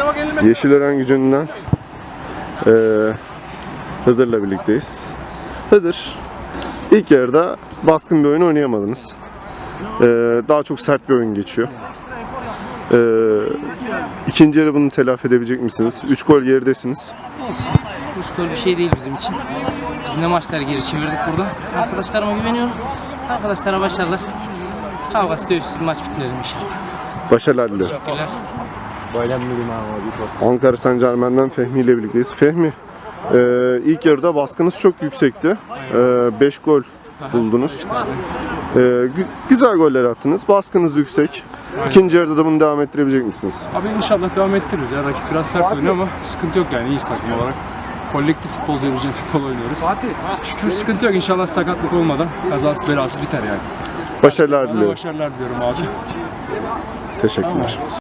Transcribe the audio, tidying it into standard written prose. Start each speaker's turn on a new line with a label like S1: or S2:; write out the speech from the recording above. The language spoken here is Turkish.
S1: Yeşilören Gücü'nden Hıdır'la birlikteyiz. Hıdır, ilk yarıda baskın bir oyun oynayamadınız. Daha çok sert bir oyun geçiyor. İkinci yarı bunu telafi edebilecek misiniz? 3 gol geridesiniz.
S2: Olsun. 3 gol bir şey değil bizim için. Biz ne maçlar geri çevirdik burada. Arkadaşlarıma güveniyorum. Arkadaşlara başarılar. Kavgası dövüşsüz maç bitirelim inşallah.
S1: Başarılar diliyorum.
S2: Teşekkürler.
S1: Ankara Saint-Germain'den Fehmi ile birlikteyiz. Fehmi, ilk yarıda baskınız çok yüksekti. 5 gol buldunuz. Güzel goller attınız. Baskınız yüksek. İkinci yarıda da bunu devam ettirebilecek misiniz?
S3: Abi inşallah devam ettiririz ya. Rakip biraz sert oynuyor ama sıkıntı yok yani, iyiyiz takım olarak. Kolektif futbol diyebileceğim futbol oynuyoruz. Şükür sıkıntı yok, inşallah sakatlık olmadan kazası belası biter yani.
S1: Başarılar diliyorum.
S3: Başarılar diliyorum abi.
S1: Teşekkürler.